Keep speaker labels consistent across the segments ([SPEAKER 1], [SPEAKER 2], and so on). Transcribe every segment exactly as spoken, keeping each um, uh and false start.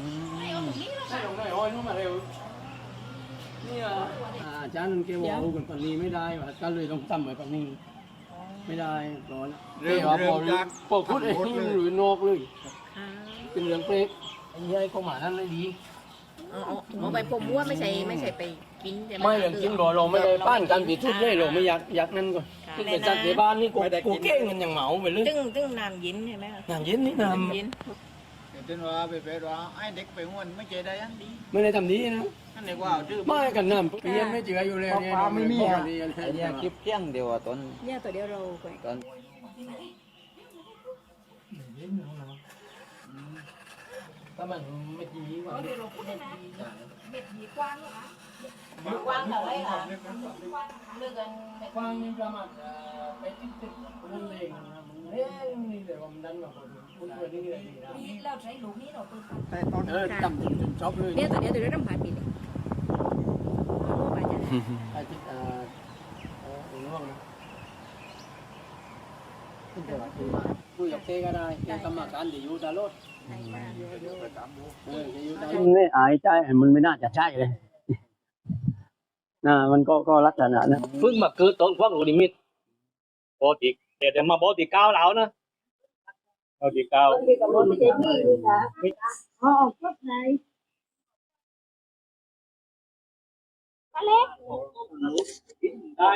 [SPEAKER 1] ได้ลงได้อ้อยนู้นมาเร็วนี่อ่ะอาจารย์แกบอกเอากันปันนี้ไม่ได้ว่ะก็เลยต้องทำไว้ปันนี้ไม่ได้ร้อนเรื่องว่าพอพอพูดไอ้นี่หรือนอกเลยเป็นเรื่องเป๊กไอ้ยัยเข้ามานั่นเลยดี
[SPEAKER 2] เอาไปปมว่าไม่ใช่ไม่ใช่ไปกินใช่ไหม
[SPEAKER 1] ไม่เรื่องกินก่อนเราไม่ได้ป้านกันปิดทุกเลยเราไม่อยากอยากนั่นก่อนที่ไปจัดในบ้านนี่กูกูเก่งกันอย่างเหมาไปเลย
[SPEAKER 2] ตึ้งตึ้งน้ำเย็นใช่ไหม
[SPEAKER 1] น้ำเย็นนี่น้ำ
[SPEAKER 2] เย็น
[SPEAKER 3] เดี๋ยวว่าไปไปว่าไอ้เด็กไปงวนไม่เจอได้ยังดี
[SPEAKER 1] ไม่ได้ทำดีนะ
[SPEAKER 3] นั่นเรียกว่าดื้อ
[SPEAKER 1] ไม่กันน้ำเพี้ยนไม่เจืออยู่เลยเนี่ยไม่มีอ่ะ
[SPEAKER 4] ไอ้เนี่ยคลิปเที่ยงเดียวตอน
[SPEAKER 2] เนี่ยตัวเดียวเราไป
[SPEAKER 4] ตอน
[SPEAKER 1] ถ้ามันไม่ดีกว่าเม็ด
[SPEAKER 2] เม็ดดีกว้างเหรอคะกว้างเท่าไรคะเลือกกัน
[SPEAKER 1] กว้างนี่ประมาณไปติดติดมันเองเฮ้ยนี่เดี๋ยวมันดันมาคนคนตัวนี้เลย
[SPEAKER 2] นี่เราใช้ลูกนี้เราตัว
[SPEAKER 1] แต่ตอนเออจำจนชอบเลย
[SPEAKER 2] เนี่ยตัวเดียวตัวเดียวต้องผ่านปีเลย
[SPEAKER 1] ไอ้ที่อ่าเออหน่วงนะขึ้นแต่ว่าคือคุยกับเจ๊ก็ได้เจ๊กรรมการเดี๋ยวอยู่ตลอดเออจะอยู่ตลอดนี่อายใจมันไม่น่าจะใช่เลยน่ะมันก็ก็ลักษณะนะ
[SPEAKER 5] เพิ่งมาเกิดตอนพวกโรดิมิตปกติแต่เดี๋ยวมาบอกตีเก้าแล้วนะเอาตีเก้าได้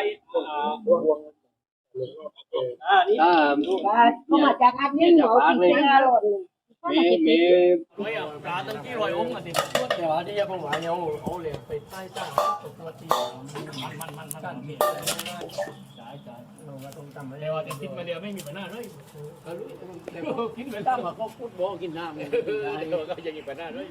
[SPEAKER 5] อ่านี่
[SPEAKER 2] เขามาจากอันนี้เหรอที่เจ้า
[SPEAKER 1] มีมี
[SPEAKER 5] ปลาตั้งที่ลอยองค์อ่ะสิ
[SPEAKER 1] แต่ว่าที่ยังผมหายเอาเอาเลยไปใต้ใต้ตัวที่มันมันมันกันเกี่ยวจ่ายจ่ายเราก็ต้องทำอะไร
[SPEAKER 5] ว่าแต่คิดมาเดียวไม่มีปัญหาเลย
[SPEAKER 1] ก็รู้แต่ก็กินไปตามมาก็พูดบอกกินน้ำเลย
[SPEAKER 5] ก็ยังมีปัญหาเลย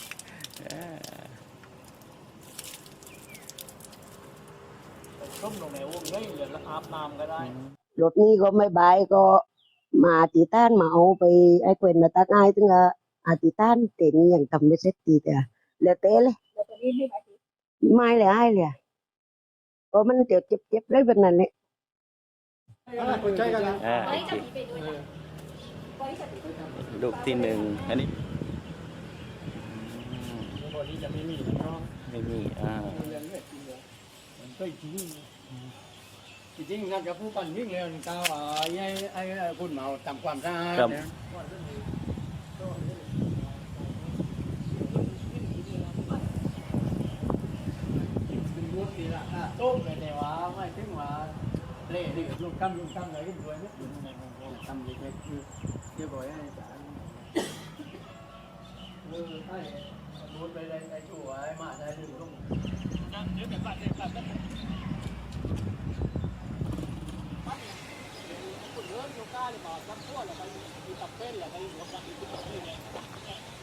[SPEAKER 5] ต้มลงในวงได้เหลืออาบน้ำก็ได้
[SPEAKER 6] รถนี้ก็ไม่บายก็มาตีต้านมาเอาไปไอ้เกวนมาตักไอ้ถึงอ่ะอาตีต้านเต็งอย่างทำไม่เสร็จตีแต่แล้วเต้เลยไม่เลยไอ้เลยก็มันเจ็บเจ็บเจ็บเลยแบบนั้นเลย
[SPEAKER 1] ใช่กันนะ
[SPEAKER 4] ลูกที่หนึ่งอันนี้ไม่มีอ่า
[SPEAKER 1] จริงๆกับผู้ปั่นวิ่งเร็วก้าวไอ้ไอ้คุณเมาทำความสะอาดเนี่ยเป็นรูปที่ละโต้ไปแต่ว่าไม่ถึงว่าเล่ที่ลูกคำลูกคำอะไรก็รวยนะทำเล็กๆคือเรียบร้อยให้สารเออใช่รูดไปเลยไอ้ชั่วไอ้มาได้ดูลงเดี๋ยวแต่บ้านเดี๋ยวบ้านเรื่องโยกาหรือเปล่าสักขั้วหรือไปตับเต้นหรือไปหัวปลาอีกตับเต้นเนี่ย